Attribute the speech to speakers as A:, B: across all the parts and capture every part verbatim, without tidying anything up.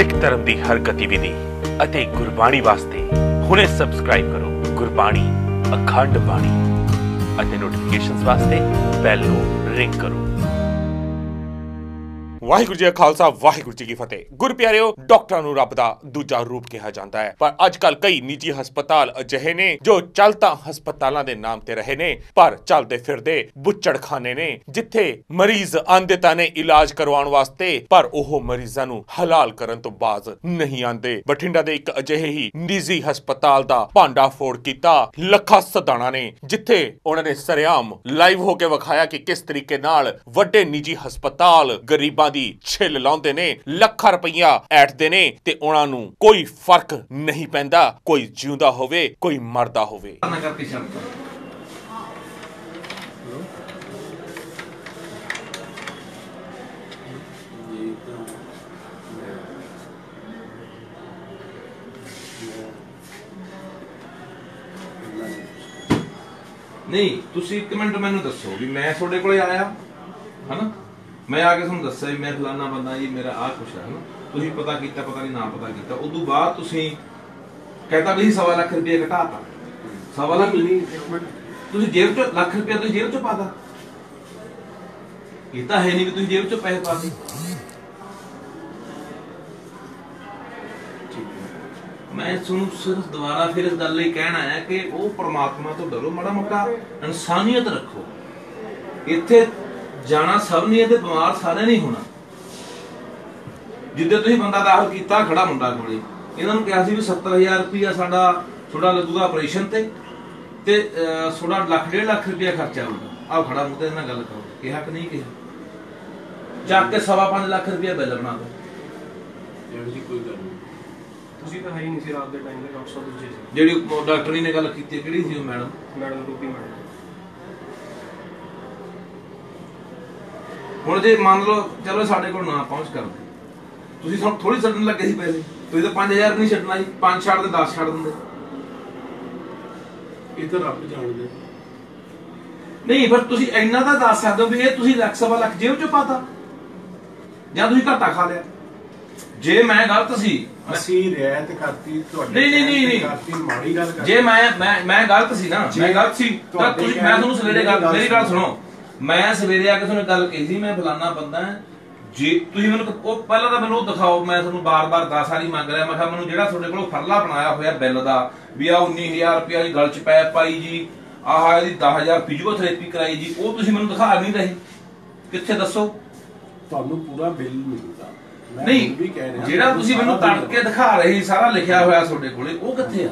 A: सिख धर्म की हर गतिविधि ਅਤੇ ਗੁਰਬਾਣੀ ਵਾਸਤੇ ਹੁਣੇ ਸਬਸਕ੍ਰਾਈਬ ਕਰੋ ਗੁਰਬਾਣੀ ਅਖੰਡ ਬਾਣੀ ਅਤੇ ਨੋਟੀਫਿਕੇਸ਼ਨਸ ਵਾਸਤੇ ਬੈਲ ਨੂੰ ਰਿੰਗ ਕਰੋ। ਵਾਹਿਗੁਰੂ ਜੀ ਕਾ ਖਾਲਸਾ ਵਾਹਿਗੁਰੂ ਜੀ ਕੀ ਫਤਿਹ। ਗੁਰ ਪਿਆਰਿਓ, ਡਾਕਟਰਾਂ ਨੂੰ ਰੱਬ ਦਾ ਦੂਜਾ ਰੂਪ ਕਿਹਾ ਜਾਂਦਾ ਹੈ, ਪਰ ਅੱਜ ਕੱਲ ਕਈ ਨਿੱਜੀ ਹਸਪਤਾਲ ਅਜਿਹੇ ਨੇ ਜੋ ਚੱਲ ਤਾਂ ਹਸਪਤਾਲਾਂ ਦੇ ਨਾਮ ਤੇ ਰਹੇ ਨੇ ਪਰ ਚੱਲਦੇ ਫਿਰਦੇ ਬੁੱਚੜਖਾਨੇ ਨੇ, ਜਿੱਥੇ ਮਰੀਜ਼ ਆਂਦੇ ਤਾਂ ਨੇ ਇਲਾਜ ਕਰਵਾਉਣ ਵਾਸਤੇ ਪਰ ਉਹ ਮਰੀਜ਼ਾਂ ਨੂੰ ਹਲਾਲ ਕਰਨ ਤੋਂ ਬਾਜ਼ ਨਹੀਂ ਆਂਦੇ। ਬਠਿੰਡਾ ਦੇ ਇੱਕ ਅਜਿਹੇ ਹੀ ਨਿੱਜੀ ਹਸਪਤਾਲ ਦਾ ਭਾਂਡਾ ਫੋੜ ਕੀਤਾ ਲੱਖਾ ਸਦਾਣਾ ਨੇ, ਜਿੱਥੇ ਉਹਨਾਂ ਨੇ ਸਰੇਆਮ ਲਾਈਵ ਹੋ ਕੇ ਵਿਖਾਇਆ ਕਿ ਕਿਸ ਤਰੀਕੇ ਨਾਲ ਵੱਡੇ ਨਿੱਜੀ ਹਸਪਤਾਲ ਗਰੀਬਾਂ ਦੀ ਛਿੱਲ ਲਾਉਂਦੇ ਨੇ, ਲੱਖਾਂ ਰੁਪਈਆ ਐਟਦੇ ਨੇ ਤੇ ਉਹਨਾਂ ਨੂੰ ਕੋਈ ਫਰਕ ਨਹੀਂ ਪੈਂਦਾ, ਕੋਈ ਜਿਉਂਦਾ ਹੋਵੇ ਕੋਈ ਮਰਦਾ ਹੋਵੇ।
B: नहीं तुसी एक मिनट मैनू दसो भी मैं थोड़े कोले आया है ना, मैं आके तुहानू दस्सिया भी मैं फलाना बंदा जी मेरा आ कुछ है ना, तुसी पता कीता पता नहीं ना पता कीता, उदों बाद तुसी कहता भी सवा लाख रुपया घटाता, सवा लाख तुसी जेब चो लाख रुपया तुसी जेब चो पाता, ये तो है नहीं भी तुसी जेब चो पैसे पाते। मैं सुन सिर्फ दोबारा फिर इस गल कहना है कि वो परमात्मा तो डरो, माड़ा मोटा इंसानियत रखो। इत्थे जाना सब नहीं है, बीमार सारे नहीं होना। जिद्दे तुसीं बंदा दाखल कीता खड़ा मुंडा कोले, इन्हां नूं कहा सी भी सत्तर हजार रुपया साडा थोड़ा लगूगा ऑपरेशन ते ते थोड़ा लाख डेढ़ लाख रुपया खर्चा होगा। आओ खड़ा मुंह ते इन्हां गल करो, कहा कि नहीं कहा, चक के सवा पांच लाख रुपया बिल बना दो।
C: ਇਹਦੀ ਕੋਈ ਗੱਲ ਨਹੀਂ, ਤੁਸੀਂ ਤਾਂ ਹੈ ਹੀ ਨਹੀਂ ਸੀ ਰਾਤ ਦੇ ਟਾਈਮ ਤੇ ਡਾਕਟਰ ਸਾਹਿਬ ਦੂਜੇ ਸੀ।
B: ਜਿਹੜੀ ਡਾਕਟਰੀ ਨੇ ਗੱਲ ਕੀਤੀ ਕਿਹੜੀ ਸੀ ਉਹ ਮੈਡਮ?
C: ਮੈਡਮ ਰੂਪੀ ਮੈਡਮ।
B: ਹੁਣ ਜੇ ਮੰਨ ਲਓ ਚਲੋ ਸਾਡੇ ਕੋਲ ਨਾ ਪਹੁੰਚ ਕਰਦੇ, ਤੁਸੀਂ ਸਾਨੂੰ ਥੋੜੀ ਛੱਡਣ ਲੱਗੇ ਸੀ ਪੈਸੇ, ਤੁਸੀਂ ਤਾਂ ਪੰਜ ਹਜ਼ਾਰ ਨਹੀਂ ਛੱਡਣਾ ਸੀ, ਪੰਜ ਛੱਡ ਦੇ ਦਸ ਛੱਡ ਦਿੰਦੇ।
C: ਇਹ ਤਾਂ ਰੱਬ ਜਾਣਦੇ
B: ਨਹੀਂ, ਪਰ ਤੁਸੀਂ ਇੰਨਾ ਤਾਂ ਦੱਸ ਸਕਦੇ ਹੋ ਵੀ ਇਹ ਤੁਸੀਂ ਲੱਖ ਸਵਾ ਲੱਖ ਜੇਬ ਚੋਂ ਪਾਤਾ ਜਾਂ ਤੁਸੀਂ ਘਾਟਾ ਖਾ ਲਿਆ। ਜੇ ਮੈਂ ਗਲਤ ਸੀ,
C: ਅਸੀਂ ਰਿਆਇਤ ਕਰਤੀ ਤੁਹਾਡੇ,
B: ਨਹੀਂ ਨਹੀਂ ਨਹੀਂ ਨਹੀਂ
C: ਕਰਤੀ ਮਾੜੀ ਗੱਲ ਕਰ,
B: ਜੇ ਮੈਂ ਮੈਂ ਮੈਂ ਗਲਤ ਸੀ ਨਾ, ਮੈਂ ਗਲਤ ਸੀ ਤਾਂ ਤੁਸੀਂ, ਮੈਂ ਤੁਹਾਨੂੰ ਸਵੇਰੇ ਗੱਲ, ਮੇਰੀ ਗੱਲ ਸੁਣੋ, ਮੈਂ ਸਵੇਰੇ ਆ ਕੇ ਤੁਹਾਨੂੰ ਗੱਲ ਕਹੀ ਸੀ ਮੈਂ ਫਲਾਨਾ ਬੰਦਾ, ਜੇ ਤੁਸੀਂ ਮੈਨੂੰ ਉਹ ਪਹਿਲਾਂ ਤਾਂ ਮੈਨੂੰ ਦਿਖਾਓ, ਮੈਂ ਤੁਹਾਨੂੰ ਬਾਰ-ਬਾਰ ਦਸ ਵਾਰੀ ਮੰਗ ਰਿਹਾ, ਮੈਂ ਕਿਹਾ ਮੈਨੂੰ ਜਿਹੜਾ ਤੁਹਾਡੇ ਕੋਲ ਫਰਲਾ ਬਣਾਇਆ ਹੋਇਆ ਬਿੱਲ ਦਾ ਵੀ ਆ ਉੱਨੀ ਹਜ਼ਾਰ ਰੁਪਇਆ ਦੀ ਗਲ ਚ ਪੈ ਪਾਈ ਜੀ, ਆਹ ਇਹਦੀ ਦਸ ਹਜ਼ਾਰ ਫਿਜ਼ੀਓਥੈਰੇਪੀ ਕਰਾਈ ਜੀ, ਉਹ ਤੁਸੀਂ ਮੈਨੂੰ ਦਿਖਾ ਨਹੀਂ ਰਹੇ, ਕਿੱਥੇ ਦੱਸੋ?
C: ਤੁਹਾਨੂੰ ਪੂਰਾ ਬਿੱਲ ਮਿਲੂਗਾ।
B: ਨਹੀਂ, ਜਿਹੜਾ ਤੁਸੀਂ ਮੈਨੂੰ ਤੜ ਕੇ ਦਿਖਾ ਰਹੇ ਸਾਰਾ ਲਿਖਿਆ ਹੋਇਆ ਤੁਹਾਡੇ ਕੋਲੇ, ਉਹ ਕਿੱਥੇ ਆ?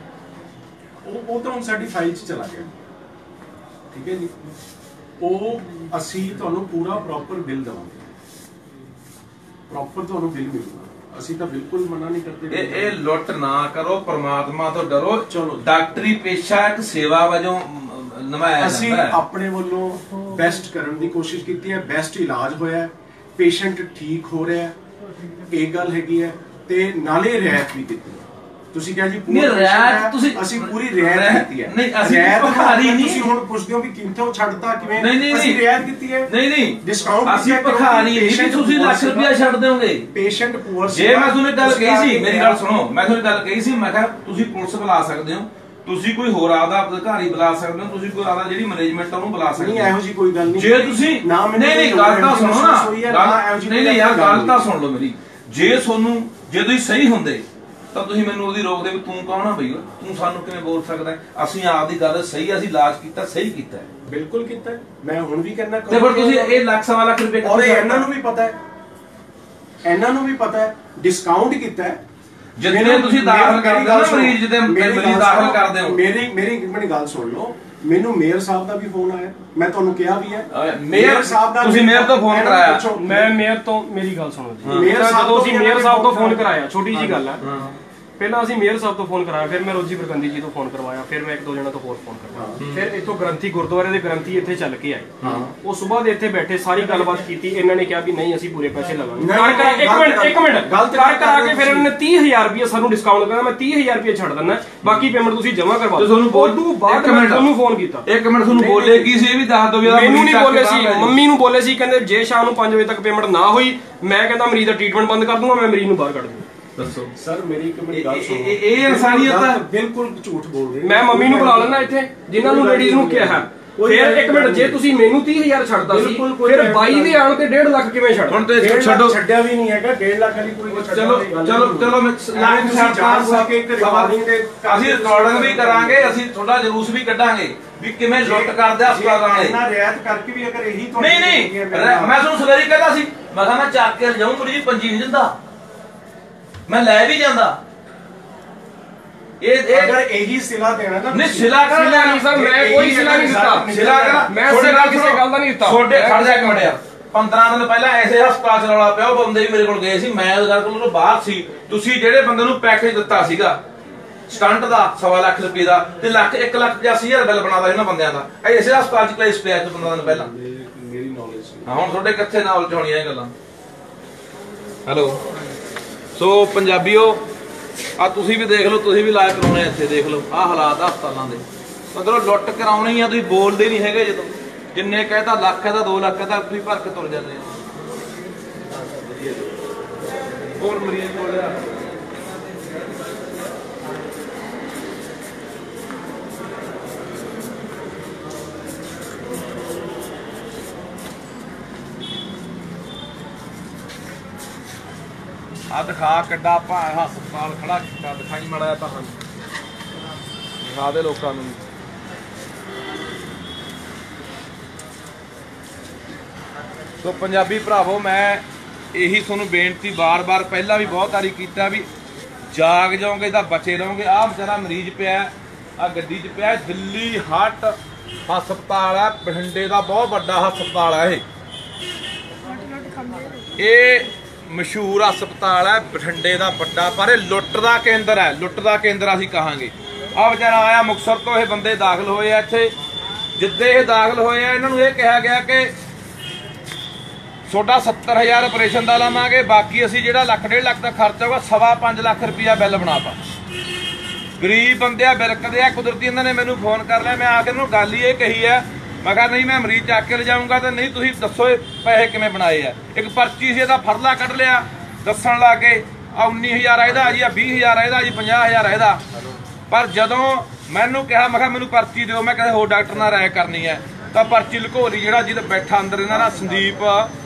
C: ਉਹ ਉਹ ਤਾਂ ਹੁਣ ਸਾਡੀ ਫਾਈਲ 'ਚ ਚਲਾ ਗਿਆ, ਠੀਕ ਹੈ ਜੀ। ਉਹ ਅਸੀਂ ਤੁਹਾਨੂੰ ਪੂਰਾ ਪ੍ਰੋਪਰ ਬਿੱਲ ਦੇਵਾਂਗੇ, ਪ੍ਰੋਪਰ ਤੁਹਾਨੂੰ ਬਿੱਲ ਮਿਲੂਗਾ। ਅਸੀਂ ਤਾਂ ਬਿਲਕੁਲ ਮਨਾ ਨਹੀਂ ਕਰਦੇ।
B: ਇਹ ਇਹ ਲੁੱਟ ਨਾ ਕਰੋ, ਪਰਮਾਤਮਾ ਤੋਂ ਡਰੋ।
C: ਚਲੋ,
B: ਡਾਕਟਰੀ ਪੇਸ਼ਾ ਇੱਕ ਸੇਵਾ ਵਜੋਂ ਨਿਭਾਇਆ ਜਾਂਦਾ ਹੈ।
C: ਅਸੀਂ ਆਪਣੇ ਵੱਲੋਂ ਬੈਸਟ ਕਰਨ ਦੀ ਕੋਸ਼ਿਸ਼ ਕੀਤੀ ਹੈ, ਬੈਸਟ ਇਲਾਜ ਹੋਇਆ, ਪੇਸ਼ੈਂਟ ਠੀਕ ਹੋ ਰਿਹਾ, ਇਹ ਗੱਲ ਹੈਗੀ ਹੈ। ਤੇ ਨਾਲੇ ਰਿਆਇਤ ਵੀ ਕੀਤੀ, ਤੁਸੀਂ ਕਿਹਾ ਜੀ
B: ਪੂਰੀ ਰਿਆਇਤ, ਤੁਸੀਂ
C: ਅਸੀਂ ਪੂਰੀ ਰਿਆਇਤ ਕੀਤੀ ਹੈ।
B: ਨਹੀਂ, ਅਸੀਂ ਭਿਖਾਰੀ ਨਹੀਂ।
C: ਤੁਸੀਂ ਹੁਣ ਪੁੱਛਦੇ ਹੋ ਵੀ ਕਿੰਥੋਂ ਛੱਡਤਾ ਕਿਵੇਂ?
B: ਨਹੀਂ ਨਹੀਂ,
C: ਅਸੀਂ ਰਿਆਇਤ ਕੀਤੀ ਹੈ।
B: ਨਹੀਂ ਨਹੀਂ,
C: ਡਿਸਕਾਊਂਟ
B: ਅਸੀਂ ਭਿਖਾਰੀ ਨਹੀਂ ਵੀ ਤੁਸੀਂ ਲੱਖ ਰੁਪਇਆ ਛੱਡ ਦਿਓਗੇ।
C: ਪੇਸ਼ੈਂਟ ਪੂਅਰ
B: ਜੇ ਮੈਂ ਤੁਹਾਨੂੰ ਗੱਲ ਕਹੀ ਸੀ, ਮੇਰੀ ਗੱਲ ਸੁਣੋ, ਮੈਂ ਤੁਹਾਨੂੰ ਗੱਲ ਕਹੀ ਸੀ, ਮੈਂ ਕਿਹਾ ਤੁਸੀਂ ਪੁਲਿਸ ਬੁਲਾ ਸਕਦੇ ਹੋ, ਤੁਸੀਂ ਕੋਈ ਹੋਰ ਆਦਾ ਅਧਿਕਾਰੀ ਬੁਲਾ ਸਕਦੇ ਹੋ, ਤੁਸੀਂ ਕੋਈ ਆਦਾ ਜਿਹੜੀ ਮੈਨੇਜਮੈਂਟ ਉਹਨੂੰ ਬੁਲਾ ਸਕਦੇ ਹੋ।
C: ਨਹੀਂ, ਇਹੋ ਜੀ ਕੋਈ ਗੱਲ ਨਹੀਂ।
B: ਜੇ ਤੁਸੀਂ ਨਹੀਂ ਨਹੀਂ ਗੱਲ ਤਾਂ ਸੁਣੋ ਨਾ, ਨਹੀਂ ਨਹੀਂ ਯਾਰ ਗੱਲ ਤਾਂ ਸੁਣ ਲਓ ਮੇਰੀ। ਜੇ ਤੁਹਾਨੂੰ ਜੇ ਤੁਸੀਂ ਸਹੀ ਹੁੰਦੇ ਤਾਂ ਤੁਸੀਂ ਮੈਨੂੰ ਉਹਦੀ ਰੋਕਦੇ ਵੀ ਤੂੰ ਕੌਣ ਆ ਬਈ, ਤੂੰ ਸਾਨੂੰ ਕਿਵੇਂ ਬੋਲ ਸਕਦਾ? ਅਸੀਂ ਆਪ ਦੀ ਗੱਲ ਸਹੀ, ਅਸੀਂ ਇਲਾਜ ਕੀਤਾ, ਸਹੀ ਕੀਤਾ,
C: ਬਿਲਕੁਲ ਕੀਤਾ। ਮੈਂ ਹੁਣ ਵੀ ਕਹਿੰਦਾ
B: ਤੇ ਫਿਰ ਤੁਸੀਂ ਇਹ ਲੱਖ ਸਵਾ ਲੱਖ ਰੁਪਏ
C: ਔਰ ਇਹਨਾਂ ਨੂੰ ਵੀ ਪਤਾ ਹੈ, ਇਹਨਾਂ ਨੂੰ ਵੀ ਪਤਾ ਹੈ, ਡਿਸਕਾਊਂਟ ਕੀਤਾ ਹੈ।
B: ਜਿੰਨੇ ਤੁਸੀਂ ਦਾਖਲ ਕਰਦੇ ਹੋ ਨਾ ਮਰੀਜ਼, ਜਿੱਦੇ ਮਰੀਜ਼ ਦਾਖਲ ਕਰਦੇ ਹੋ,
C: ਮੇਰੀ ਮੇਰੀ ਮੇਰੀ ਗੱਲ ਸੁਣ ਲਓ। ਮੈਨੂੰ ਮੇਅਰ ਸਾਹਿਬ ਦਾ ਵੀ ਫੋਨ ਆਇਆ, ਮੈਂ ਤੁਹਾਨੂੰ ਕਿਹਾ ਵੀ ਹੈ
B: ਮੇਅਰ ਸਾਹਿਬ ਦਾ, ਤੁਸੀਂ ਮੇਅਰ ਤੋਂ ਫੋਨ ਕਰਾਇਆ?
D: ਮੈਂ ਮੇਅਰ ਤੋਂ, ਮੇਰੀ ਗੱਲ ਸੁਣੋ ਜੀ,
C: ਮੇਅਰ ਸਾਹਿਬ
D: ਜਦੋਂ ਅਸੀਂ ਮੇਅਰ ਸਾਹਿਬ ਤੋਂ ਫੋਨ ਕਰਾਇਆ, ਛੋਟੀ ਜੀ ਗੱਲ ਹੈ, ਪਹਿਲਾਂ ਅਸੀਂ ਮੇਅਰ ਸਾਹਿਬ ਤੋਂ ਫੋਨ ਕਰਾਇਆ, ਫਿਰ ਮੈਂ ਰੋਜੀ ਬਰਗੰਦੀ ਜੀ ਤੋਂ ਫੋਨ ਕਰਵਾਇਆ, ਫਿਰ ਮੈਂ ਇੱਕ ਦੋ ਜਣਾ ਤੋਂ ਹੋਰ ਫੋਨ ਕਰਵਾਇਆ, ਫਿਰ ਇੱਥੋਂ ਗ੍ਰੰਥੀ ਗੁਰਦੁਆਰੇ ਦੇ ਗ੍ਰੰਥੀ ਇੱਥੇ ਚੱਲ ਕੇ ਆਏ। ਉਹ ਸਵੇਰ ਦੇ ਇੱਥੇ ਬੈਠੇ ਸਾਰੀ ਗੱਲਬਾਤ ਕੀਤੀ, ਇਹਨਾਂ ਨੇ ਕਿਹਾ ਵੀ ਨਹੀਂ ਅਸੀਂ ਪੂਰੇ ਪੈਸੇ ਲਵਾਂਗੇ। ਕਰ ਕਰਾ ਇੱਕ ਮਿੰਟ ਇੱਕ ਮਿੰਟ ਕਰ ਕਰਾ ਕੇ ਫਿਰ ਇਹਨਾਂ ਨੇ ਤੀਹ ਹਜ਼ਾਰ ਰੁਪਏ ਸਾਨੂੰ ਡਿਸਕਾਊਂਟ ਕਰਨਾ, ਮੈਂ ਤੀਹ ਹਜ਼ਾਰ ਰੁਪਏ ਛੱਡ ਦਿੰਦਾ, ਬਾਕੀ ਪੇਮੈਂਟ ਤੁਸੀਂ ਜਮ੍ਹਾਂ ਕਰਵਾ ਦਿਓ। ਤੁਹਾਨੂੰ ਬਾਅਦ ਮੈਂ ਤੁਹਾਨੂੰ ਫੋਨ ਕੀਤਾ,
B: ਇੱਕ ਮਿੰਟ ਤੁਹਾਨੂੰ ਬੋਲੇ ਕੀ ਸੀ ਇਹ ਵੀ ਦੱਸ ਦਿਓ।
D: ਮੈਨੂੰ ਨਹੀਂ ਬੋਲੇ ਸੀ, ਮੰਮੀ ਨੂੰ ਬੋਲੇ ਸੀ, ਕਹਿੰਦੇ ਜੇ ਸ਼ਾਮ ਨੂੰ ਪੰਜ ਵਜੇ ਤੱਕ ਪੇਮੈਂਟ ਨਾ ਹੋਈ ਮੈਂ ਕਹਿੰਦਾ ਮਰੀਜ਼ ਦਾ ਟ੍ਰੀਟਮੈਂਟ ਬੰਦ ਕਰ ਦੂੰਗਾ, ਮੈਂ ਮਰੀਜ਼ ਨੂੰ ਬਾਹਰ ਕੱਢ ਦੂੰਗਾ।
C: ਦੱਸੋ ਸਰ ਮੇਰੀ ਇੱਕ ਮਿੰਟ ਗੱਲ ਸੁਣੋ,
B: ਇਹ ਇਨਸਾਨੀਅਤ ਹੈ,
C: ਬਿਲਕੁਲ ਝੂਠ ਬੋਲ ਰਹੇ।
D: ਮੈਂ ਮੰਮੀ ਨੂੰ ਬੁਲਾ ਲੈਣਾ ਇੱਥੇ ਜਿਨ੍ਹਾਂ ਨੂੰ ਲੇਡੀਜ਼ ਨੂੰ ਕਿਹਾ, ਫਿਰ ਇੱਕ ਮਿੰਟ ਜੇ ਤੁਸੀਂ ਮੈਨੂੰ ਤੀਹ ਹਜ਼ਾਰ ਛੱਡਦਾ ਸੀ ਫਿਰ ਬਾਈ ਦੇ ਆਣ ਤੇ ਡੇਢ ਲੱਖ ਕਿਵੇਂ ਛੱਡ?
B: ਹੁਣ ਤੇ ਛੱਡੋ,
C: ਛੱਡਿਆ ਵੀ ਨਹੀਂ ਹੈਗਾ, ਡੇਢ ਲੱਖ ਵਾਲੀ ਕੋਈ
B: ਚਲੋ ਚਲੋ ਚਲੋ ਮੈਂ ਲੱਖ ਸਰਕਾਰ ਸਕੇ ਇੱਕ ਰਿਕਾਰਡਿੰਗ ਦੇ ਅਸੀਂ ਰਿਕਾਰਡਿੰਗ ਵੀ ਕਰਾਂਗੇ, ਅਸੀਂ ਥੋੜਾ ਜਲੂਸ ਵੀ ਕੱਢਾਂਗੇ ਵੀ ਕਿਵੇਂ ਲੁੱਟ ਕਰਦੇ ਹਸਪਤਾਲਾਂ ਵਾਲੇ।
C: ਇਹਨਾਂ ਰਿਆਇਤ ਕਰਕੇ ਵੀ ਅਗਰ ਇਹੀ
B: ਨਹੀਂ ਨਹੀਂ ਮੈਂ ਤੁਹਾਨੂੰ ਸਵੇਰੇ ਕਹਿੰਦਾ ਸੀ, ਮੈਂ ਕਿਹਾ ਮੈਂ ਚੱਕ ਕੇ ਲਿਜਾਉਂ ਥੋੜੀ ਜਿਹੀ ਪੰਜੀ ਨਹੀਂ ਦਿੰਦਾ, ਮੈਂ ਲੈ ਵੀ ਜਾਂਦਾ। ਇਹ ਇਹ
C: ਅਗਰ ਇਹੀ ਸਿਲਾ ਦੇਣਾ ਨਾ,
D: ਨਹੀਂ ਸਿਲਾ ਕਰ ਨਹੀਂ ਸਰ, ਮੈਂ ਕੋਈ ਸਿਲਾ ਨਹੀਂ ਦਿੱਤਾ,
B: ਸਿਲਾ ਕਰ
D: ਮੈਂ ਸਿਲਾ ਕਿਸੇ ਗੱਲ ਦਾ ਨਹੀਂ ਦਿੱਤਾ।
B: ਛੋਟੇ ਖੜ ਜਾ ਇੱਕ ਮਿੰਟ ਯਾਰ, ਪੰਦਰਾਂ ਦਿਨ ਪਹਿਲਾਂ ਐਸੇ ਹਸਪਤਾਲ ਚ ਰੌਲਾ ਪਿਆ, ਉਹ ਬੰਦੇ ਵੀ ਮੇਰੇ ਕੋਲ ਗਏ ਸੀ, ਮੈਂ ਉਹਦੇ ਕੋਲ ਬਾਹਰ ਸੀ। ਤੁਸੀਂ ਜਿਹੜੇ ਬੰਦੇ ਨੂੰ ਪੈਕੇਜ ਦਿੱਤਾ ਸੀਗਾ ਸਟੰਟ ਦਾ ਸਵਾ ਲੱਖ ਰੁਪਏ ਦਾ ਤੇ ਲੱਖ ਇੱਕ ਲੱਖ ਪਚਾਸੀ ਹਜ਼ਾਰ ਬਿੱਲ ਬਣਾਦਾ ਇਹਨਾਂ ਬੰਦਿਆਂ ਦਾ, ਐਸੇ ਹਸਪਤਾਲ ਚ ਕਲੇਸ਼ ਪਿਆ ਤੇ ਪੰਦਰਾਂ ਦਿਨ ਪਹਿਲਾਂ।
C: ਮੇਰੀ ਨੌਲੇਜ
B: ਹਾਂ ਹੁਣ ਤੁਹਾਡੇ ਕਿੱਥੇ ਨੌਲੇਜ ਹੋਣੀਆਂ ਇਹ ਗੱਲਾਂ। ਹੈਲੋ ਸੋ ਪੰਜਾਬੀਓ, ਆ ਤੁਸੀਂ ਵੀ ਦੇਖ ਲਓ, ਤੁਸੀਂ ਵੀ ਲਾਇਕ ਕਰਾਉਣੇ ਇੱਥੇ ਦੇਖ ਲਓ ਆਹ ਹਾਲਾਤ ਹਸਪਤਾਲਾਂ ਦੇ। ਮਤਲਬ ਲੁੱਟ ਕਰਾਉਣੀ ਆ, ਤੁਸੀਂ ਬੋਲਦੇ ਨਹੀਂ ਹੈਗੇ, ਜਦੋਂ ਜਿੰਨੇ ਕਹਿਤਾ ਲੱਖ ਹੈ ਤਾਂ ਦੋ ਲੱਖ ਹੈ ਤਾਂ ਤੁਸੀਂ ਭਰ ਕੇ ਤੁਰ ਜਾਂਦੇ ਆ। ਹੋਰ ਮਰੀਜ਼ ਬੋਲਿਆ ਆ ਦਿਖਾ ਕਿੱਡਾ ਭਾ ਹਸਪਤਾਲ ਖੜਾ ਕੀਤਾ, ਦਿਖਾਈ ਮੜਿਆ ਤਾਂ ਹਨ ਦਿਖਾ ਦੇ ਲੋਕਾਂ ਨੂੰ। ਸੋ ਪੰਜਾਬੀ ਭਰਾਵੋ, ਮੈਂ ਇਹੀ ਤੁਹਾਨੂੰ ਬੇਨਤੀ ਬਾਰ-ਬਾਰ ਪਹਿਲਾਂ ਵੀ ਬਹੁਤ ਵਾਰੀ ਕੀਤਾ ਵੀ ਜਾਗ ਜਾਓਗੇ ਤਾਂ ਬਚੇ ਰਹੋਗੇ। ਆਹ ਵਿਚਾਰਾ ਮਰੀਜ਼ ਪਿਆ, ਆ ਗੱਡੀ 'ਚ ਪਿਆ, ਦਿੱਲੀ ਹਾਰਟ ਹਸਪਤਾਲ ਹੈ, ਬਠਿੰਡੇ ਦਾ ਬਹੁਤ ਵੱਡਾ ਹਸਪਤਾਲ ਹੈ ਇਹ ਇਹ ਮਸ਼ਹੂਰ ਹਸਪਤਾਲ ਹੈ ਬਠਿੰਡੇ ਦਾ ਵੱਡਾ, ਪਰ ਇਹ ਲੁੱਟ ਦਾ ਕੇਂਦਰ ਹੈ, ਲੁੱਟ ਦਾ ਕੇਂਦਰ ਅਸੀਂ ਕਹਾਂਗੇ। ਆ ਵਿਚਾਰਾ ਆਇਆ ਮੁਕਤਸਰ ਤੋਂ, ਇਹ ਬੰਦੇ ਦਾਖਲ ਹੋਏ ਆ ਇੱਥੇ। ਜਿੱਦੇ ਇਹ ਦਾਖਲ ਹੋਏ ਆ ਇਹਨਾਂ ਨੂੰ ਇਹ ਕਿਹਾ ਗਿਆ ਕਿ ਤੁਹਾਡਾ ਸੱਤਰ ਹਜ਼ਾਰ ਆਪਰੇਸ਼ਨ ਦਾ ਲਾਵਾਂਗੇ, ਬਾਕੀ ਅਸੀਂ ਜਿਹੜਾ ਲੱਖ ਡੇਢ ਲੱਖ ਦਾ ਖਰਚਾ ਹੋਗਾ ਸਵਾ ਪੰਜ ਲੱਖ ਰੁਪਇਆ ਬਿੱਲ ਬਣਾਤਾ। ਗਰੀਬ ਬੰਦੇ ਆ, ਬਿਰਕਦੇ ਆ, ਕੁਦਰਤੀ ਇਹਨਾਂ ਨੇ ਮੈਨੂੰ ਫੋਨ ਕਰ ਲਿਆ। ਮੈਂ ਆ ਕੇ ਇਹਨੂੰ ਗੱਲ ਹੀ ਇਹ ਕਹੀ ਹੈ, ਮੈਂ ਕਿਹਾ ਨਹੀਂ ਮੈਂ ਮਰੀਜ਼ ਚੱਕ ਕੇ ਲਿਜਾਊਂਗਾ ਤੇ ਨਹੀਂ ਤੁਸੀਂ ਦੱਸੋ ਇਹ ਪੈਸੇ ਕਿਵੇਂ ਬਣਾਏ ਆ। ਇੱਕ ਪਰਚੀ ਸੀ ਇਹਦਾ ਫਰਲਾ ਕੱਢ ਲਿਆ, ਦੱਸਣ ਲੱਗ ਗਏ ਆ ਉੱਨੀ ਹਜ਼ਾਰ ਇਹਦਾ ਜੀ, ਆ ਵੀਹ ਹਜ਼ਾਰ ਇਹਦਾ ਜੀ, ਪੰਜਾਹ ਹਜ਼ਾਰ ਇਹਦਾ। ਪਰ ਜਦੋਂ ਮੈਨੂੰ ਕਿਹਾ ਮੈਂ ਕਿਹਾ ਮੈਨੂੰ ਪਰਚੀ ਦਿਓ, ਮੈਂ ਕਿਸੇ ਹੋਰ ਡਾਕਟਰ ਨਾਲ ਰਾਏ ਕਰਨੀ ਹੈ, ਤਾਂ ਪਰਚੀ ਲੁਕੋ ਲਈ। ਜਿਹੜਾ ਜਿਹਦਾ ਬੈਠਾ ਅੰਦਰ ਇਹਨਾਂ ਦਾ ਸੰਦੀਪ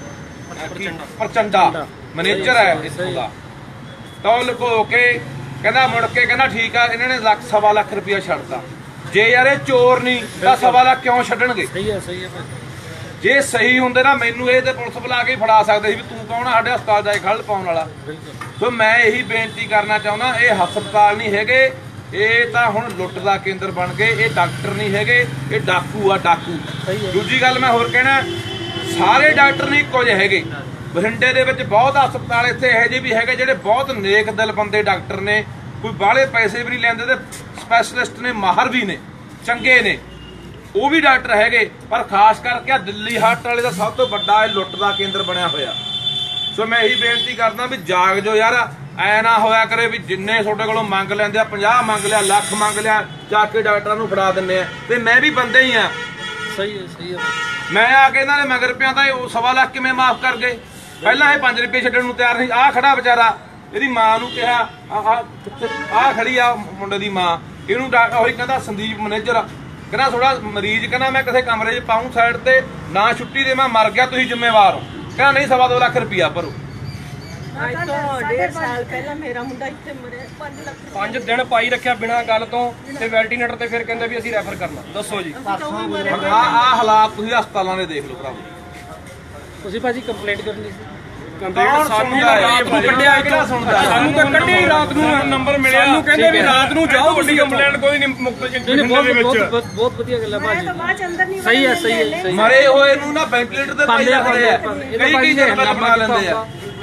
B: ਪ੍ਰਚੰਡਾ ਮੈਨੇਜਰ ਹੈ ਇੱਥੋਂ ਦਾ, ਤਾਂ ਉਹ ਲੁਕੋ ਕੇ ਕਹਿੰਦਾ, ਮੁੜ ਕੇ ਕਹਿੰਦਾ ਠੀਕ ਆ, ਇਹਨਾਂ ਨੇ ਲੱਖ ਸਵਾ ਲੱਖ ਰੁਪਇਆ ਛੱਡਤਾ। ਜੇ ਯਾਰ ਇਹ ਚੋਰ ਨਹੀਂ ਤਾਂ ਸਵਾ ਲੱਖ ਕਿਉਂ ਛੱਡਣਗੇ? ਸਹੀ ਹੈ ਸਹੀ ਹੈ ਜੇ ਸਹੀ ਹੁੰਦੇ ਨਾ ਮੈਨੂੰ ਇਹ ਤੇ ਪੁਲਿਸ ਬੁਲਾ ਕੇ ਫੜਾ ਸਕਦੇ ਸੀ ਵੀ ਤੂੰ ਕੌਣ ਆ ਸਾਡੇ ਹਸਪਤਾਲ ਜਾ ਕੇ ਖੱਲ ਪਾਉਣ ਵਾਲਾ। ਸੋ ਮੈਂ ਇਹੀ ਬੇਨਤੀ ਕਰਨਾ ਚਾਹੁੰਦਾ, ਇਹ ਹਸਪਤਾਲ ਨਹੀਂ ਹੈਗੇ, ਇਹ ਤਾਂ ਹੁਣ ਲੁੱਟ ਦਾ ਕੇਂਦਰ ਬਣ ਗਏ। ਇਹ ਡਾਕਟਰ ਨਹੀਂ ਹੈਗੇ, ਇਹ ਡਾਕੂ ਆ, ਡਾਕੂ। ਦੂਜੀ ਗੱਲ ਮੈਂ ਹੋਰ ਕਹਿਣਾ, ਸਾਰੇ ਡਾਕਟਰ ਨਹੀਂ ਇੱਕੋ ਜਿਹੇ ਹੈਗੇ। ਬਠਿੰਡੇ ਦੇ ਵਿੱਚ ਬਹੁਤ ਹਸਪਤਾਲ ਇੱਥੇ ਇਹੋ ਜਿਹੇ ਵੀ ਹੈਗੇ ਜਿਹੜੇ ਬਹੁਤ ਨੇਕ ਦਿਲ ਬੰਦੇ ਡਾਕਟਰ ਨੇ, ਕੋਈ ਬਾਹਲੇ ਪੈਸੇ ਵੀ ਨਹੀਂ ਲੈਂਦੇ ਤੇ ਸਪੈਸ਼ਲਿਸਟ ਨੇ, ਮਾਹਰ ਵੀ ਨੇ, ਚੰਗੇ ਨੇ, ਉਹ ਵੀ ਡਾਕਟਰ ਹੈਗੇ। ਪਰ ਖਾਸ ਕਰਕੇ ਆ ਦਿੱਲੀ ਹਾਰਟ ਵਾਲੇ ਦਾ ਸਭ ਤੋਂ ਵੱਡਾ ਇਹ ਲੁੱਟ ਦਾ ਕੇਂਦਰ ਬਣਿਆ ਹੋਇਆ। ਸੋ ਮੈਂ ਇਹੀ ਬੇਨਤੀ ਕਰਦਾ ਵੀ ਜਾਗ ਜੋ ਯਾਰ, ਐ ਨਾ ਹੋਇਆ ਕਰੇ ਵੀ ਜਿੰਨੇ ਤੁਹਾਡੇ ਕੋਲੋਂ ਮੰਗ ਲੈਂਦੇ ਆ, ਪੰਜਾਹ ਮੰਗ ਲਿਆ, ਲੱਖ ਮੰਗ ਲਿਆ, ਜਾ ਕੇ ਡਾਕਟਰਾਂ ਨੂੰ ਫੜਾ ਦਿੰਦੇ ਆ। ਤੇ ਮੈਂ ਵੀ ਬੰਦੇ ਹੀ ਆ। ਸਹੀ ਹੈ ਸਹੀ ਹੈ। ਮੈਂ ਆ ਕੇ ਇਹਨਾਂ ਦੇ ਮਗਰ ਪਿਆ ਤਾਂ ਉਹ ਸਵਾ ਲੱਖ ਕਿਵੇਂ ਮਾਫ ਕਰ ਗਏ? ਪਹਿਲਾਂ ਇਹ ਪੰਜ ਰੁਪਏ ਛੱਡਣ ਨੂੰ ਤਿਆਰ ਨਹੀਂ। ਆਹ ਖੜਾ ਵਿਚਾਰਾ, ਇਹਦੀ ਮਾਂ ਨੂੰ ਕਿਹਾ, ਆਹ ਖੜੀ ਆ ਮੁੰਡੇ ਦੀ ਮਾਂ, ਇਹਨੂੰ ਉਹੀ ਕਹਿੰਦਾ ਸੰਦੀਪ ਮੈਨੇਜਰ ਕਹਿੰਦਾ ਥੋੜਾ ਮਰੀਜ਼ ਕਹਿੰਦਾ ਮੈਂ ਕਿਸੇ ਕਮਰੇ 'ਚ ਪਾਉਂ ਸਾਈਡ ਤੇ, ਨਾ ਛੁੱਟੀ ਦੇ, ਮੈਂ ਮਰ ਗਿਆ, ਤੁਸੀਂ ਜ਼ਿੰਮੇਵਾਰ ਹੋ। ਕਹਿੰਦਾ ਨਹੀਂ ਸਵਾ ਦੋ ਲੱਖ ਰੁਪਇਆ ਭਰੋ।
E: ਡੇਢ ਸਾਲ ਪਹਿਲਾਂ ਮੇਰਾ ਮੁੰਡਾ ਇੱਥੇ ਮਰਿਆ, ਪੰਜ ਲੱਖ
D: ਪੰਜ ਦਿਨ ਪਾਈ ਰੱਖਿਆ ਬਿਨਾਂ ਗੱਲ ਤੋਂ, ਤੇ ਵੈਂਟੀਲੇਟਰ ਤੇ ਫਿਰ ਕਹਿੰਦੇ ਵੀ ਅਸੀਂ ਰੈਫਰ ਕਰਨਾ। ਦੱਸੋ ਜੀ
B: ਆ ਆ ਹਾਲਾਤ ਤੁਸੀਂ ਹਸਪਤਾਲਾਂ ਦੇ ਦੇਖ ਲਓ ਭਰਾਵੋ।
D: ਤੁਸੀਂ ਭਾਜੀ ਕੰਪਲੇਂਟ ਕਰਨੀ ਸੀ।
B: ਸਾਨੂੰ ਰਾਤ ਨੂੰ ਕੱਢਿਆ, ਕਿਹੜਾ ਸੁਣਦਾ?
D: ਸਾਨੂੰ ਤਾਂ ਕੱਢਿਆ ਹੀ ਰਾਤ ਨੂੰ, ਨੰਬਰ ਮਿਲਿਆ, ਸਾਨੂੰ ਕਹਿੰਦੇ ਵੀ ਰਾਤ ਨੂੰ ਜਾਓ, ਵੱਡੀ ਕੰਪਲੇਂਟ ਕੋਈ ਨਹੀਂ ਮੁਕਤ ਦੇ ਵਿੱਚ। ਬਹੁਤ ਵਧੀਆ ਗੱਲ ਹੈ ਭਾਜੀ, ਸਹੀ ਹੈ ਸਹੀ ਹੈ।
B: ਮਰੇ ਹੋਏ ਨੂੰ ਨਾ ਵੈਂਟੀਲੇਟਰ ਤੇ ਪਾਈ ਰੱਖਦੇ ਆ, ਕਈ ਕਈ ਜਗ੍ਹਾ ਬਣਾ ਲੈਂਦੇ ਆ।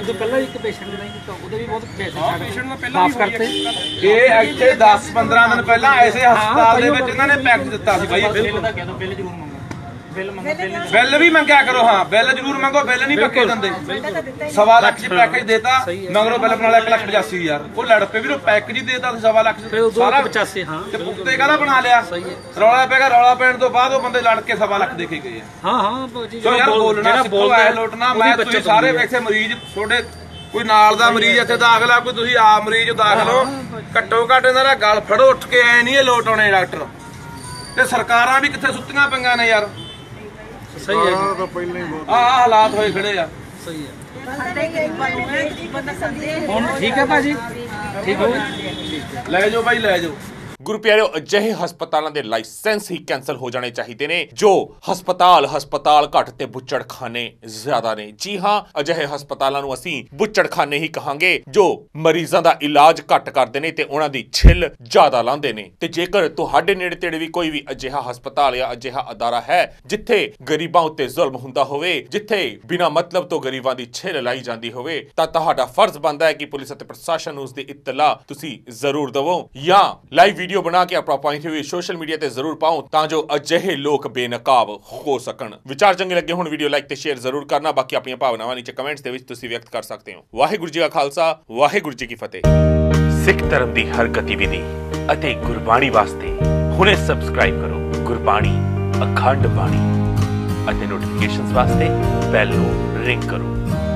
F: ਉਦੋਂ ਪਹਿਲਾਂ ਇੱਕ ਪੇਸ਼ੈਂਟ ਨਹੀਂ ਕੀਤਾ ਉਹਦੇ ਵੀ ਬਹੁਤ ਪੈਸੇ
D: ਹਾਂ ਪੇਸ਼ੈਂਟ ਦਾ ਪਹਿਲਾਂ
F: ਮਾਫ
D: ਵੀ ਹੋਈ
F: ਕਰਤੇ
B: ਇਹ ਇੱਥੇ ਦਸ ਪੰਦਰਾਂ ਦਿਨ ਪਹਿਲਾਂ ਐਸੇ ਹਸਪਤਾਲ ਦੇ ਵਿੱਚ ਇਹਨਾਂ ਨੇ ਪੈਕੇਜ ਦਿੱਤਾ ਸੀ ਬਾਈ
F: ਬਿੱਲ ਦਾ ਕਹਿ ਦੋ ਬਿੱਲ ਜ਼ਰੂਰ ਮੰਗੋ ਬਿੱਲ ਮੰਗੋ ਬਿੱਲ
B: ਬਿੱਲ ਵੀ ਮੰਗਿਆ ਕਰੋ ਹਾਂ ਬਿੱਲ ਜ਼ਰੂਰ ਮੰਗੋ ਬਿੱਲ ਨਹੀਂ ਪੱਕੇ ਦਿੰਦੇ ਸਵਾ ਲੱਖ ਚ ਪੈਕੇਜ ਦੇਤਾ ਮਗਰੋਂ ਬਿੱਲ ਬਣਾ ਲਿਆ ਇੱਕ ਲੱਖ ਪਚਾਸੀ ਹਜ਼ਾਰ ਉਹ ਲੜ ਪਏ ਵੀ ਉਹ ਪੈਕੇਜ ਹੀ ਦੇਤਾ ਸੀ ਸਵਾ ਲੱਖ
F: ਫਿਰ ਉਦੋਂ ਪਚਾਸੀ ਹਾਂ
B: ਤੇ ਪੁੱਤੇ ਕਾਹਦਾ ਬਣਾ ਲਿਆ ਰੌਲਾ ਪੈਗਾ ਰੌਲਾ ਪੈਣ ਤੋਂ ਬਾਅਦ ਉਹ ਬੰਦੇ ਲੜ ਕੇ ਸਵਾ ਲੱਖ ਦੇ ਕੇ ਗਏ ਆ
F: ਹਾਂ ਹਾਂ ਜੀ
B: ਸੋ ਯਾਰ ਬੋਲਣਾ ਸਿੱਖੋ ਐ ਲੋਟਣਾ ਮੈਂ ਤੁਸੀਂ ਸਾਰੇ ਵੇਖੇ ਮਰੀਜ਼ ਤੁਹਾਡੇ ਕੋਈ ਨਾਲ ਦਾ ਮਰੀਜ਼ ਇੱਥੇ ਦਾਖਲ ਆ ਕੋਈ ਤੁਸੀਂ ਆਪ ਮਰੀਜ਼ ਦਾਖਲ ਹੋ ਘੱਟੋ ਘੱਟ ਇਹਨਾਂ ਦਾ ਗਲ ਫੜੋ ਉੱਠ ਕੇ ਐ ਨਹੀਂ ਇਹ ਲੋਟ ਆਉਣੇ ਡਾਕਟਰ ਤੇ ਸਰਕਾਰਾਂ ਵੀ ਕਿੱਥੇ ਸੁੱਤੀਆਂ ਪਈਆਂ ਨੇ ਯਾਰ
F: ਸਹੀ ਹੈ ਜੀ
B: ਆਹ ਹਾਲਾਤ ਹੋਏ ਖੜੇ ਆ
F: ਸਹੀ ਹੈ
E: ਸਾਡੇ ਗਰੀਬਾਂ ਨੂੰ ਹੈ ਗਰੀਬਾਂ ਦਾ ਸੰਦੇਹ
F: ਹੁਣ ਠੀਕ ਹੈ ਭਾਜੀ ਠੀਕ ਹੋ
B: ਲੈ ਜਾਓ ਬਾਈ ਲੈ ਜਾਓ
A: ਗੁਰੂ ਪਿਆਰਿਓ ਅਜਿਹੇ ਹਸਪਤਾਲਾਂ ਦੇ ਲਾਇਸੈਂਸ ਹੀ ਕੈਂਸਲ ਹੋ ਜਾਣੇ ਚਾਹੀਦੇ ਨੇ ਜੋ ਹਸਪਤਾਲ ਹਸਪਤਾਲ ਘੱਟ ਤੇ ਬੁੱਚੜਖਾਨੇ ਜ਼ਿਆਦਾ ਨੇ। ਜੀ ਹਾਂ, ਅਜਿਹੇ ਹਸਪਤਾਲਾਂ ਨੂੰ ਅਸੀਂ ਬੁੱਚੜਖਾਨੇ ਹੀ ਕਹਾਂਗੇ ਜੋ ਮਰੀਜ਼ਾਂ ਦਾ ਇਲਾਜ ਘੱਟ ਕਰਦੇ ਨੇ ਤੇ ਉਹਨਾਂ ਦੀ ਛਿੱਲ ਜ਼ਿਆਦਾ ਲਾਉਂਦੇ ਨੇ। ਤੇ ਜੇਕਰ ਤੁਹਾਡੇ ਨੇੜੇ ਤੇੜੇ ਵੀ ਕੋਈ ਵੀ ਅਜਿਹਾ ਹਸਪਤਾਲ ਜਾਂ ਅਜਿਹਾ ਅਦਾਰਾ ਹੈ ਜਿੱਥੇ ਗਰੀਬਾਂ ਉੱਤੇ ਜ਼ੁਲਮ ਹੁੰਦਾ ਹੋਵੇ, ਜਿੱਥੇ ਬਿਨਾਂ ਮਤਲਬ ਤੋਂ ਗਰੀਬਾਂ ਦੀ ਛਿੱਲ ਲਾਈ ਜਾਂਦੀ ਹੋਵੇ, ਤਾਂ ਤੁਹਾਡਾ ਫਰਜ਼ ਬਣਦਾ ਹੈ ਕਿ ਪੁਲਿਸ ਅਤੇ ਪ੍ਰਸ਼ਾਸਨ ਨੂੰ ਉਸ ਦੀ ਇਤਲਾ ਤੁਸੀਂ ਜ਼ਰੂਰ ਦਵੋ ਜਾਂ ਲਾਈਵ ਵੀਡੀਓ ਬਣਾ ਕੇ ਆਪਣਾ ਪੁਆਇੰਟ ਵੀ ਸੋਸ਼ਲ ਮੀਡੀਆ ਤੇ ਜ਼ਰੂਰ ਪਾਓ ਤਾਂ ਜੋ ਅਜਿਹੇ ਲੋਕ ਬੇਨਕਾਬ ਹੋ ਸਕਣ। ਵਿਚਾਰ ਚੰਗੇ ਲੱਗੇ ਹੁਣ ਵੀਡੀਓ ਲਾਈਕ ਤੇ ਸ਼ੇਅਰ ਜ਼ਰੂਰ ਕਰਨਾ। ਬਾਕੀ ਆਪਣੀਆਂ ਭਾਵਨਾਵਾਂ ਨੀਚੇ ਕਮੈਂਟਸ ਦੇ ਵਿੱਚ ਤੁਸੀਂ ਵਿਅਕਤ ਕਰ ਸਕਦੇ ਹੋ। ਵਾਹਿਗੁਰੂ ਜੀ ਕਾ ਖਾਲਸਾ, ਵਾਹਿਗੁਰੂ ਜੀ ਕੀ ਫਤਿਹ। ਸਿੱਖ ਧਰਮ ਦੀ ਹਰ ਗਤੀਵਿਧੀ ਅਤੇ ਗੁਰਬਾਣੀ ਵਾਸਤੇ ਹੁਣੇ ਸਬਸਕ੍ਰਾਈਬ ਕਰੋ ਗੁਰਬਾਣੀ ਅਖੰਡ ਬਾਣੀ ਅਤੇ ਨੋਟੀਫਿਕੇਸ਼ਨਸ ਵਾਸਤੇ ਬੈਲ ਨੂੰ ਰਿੰਗ ਕਰੋ।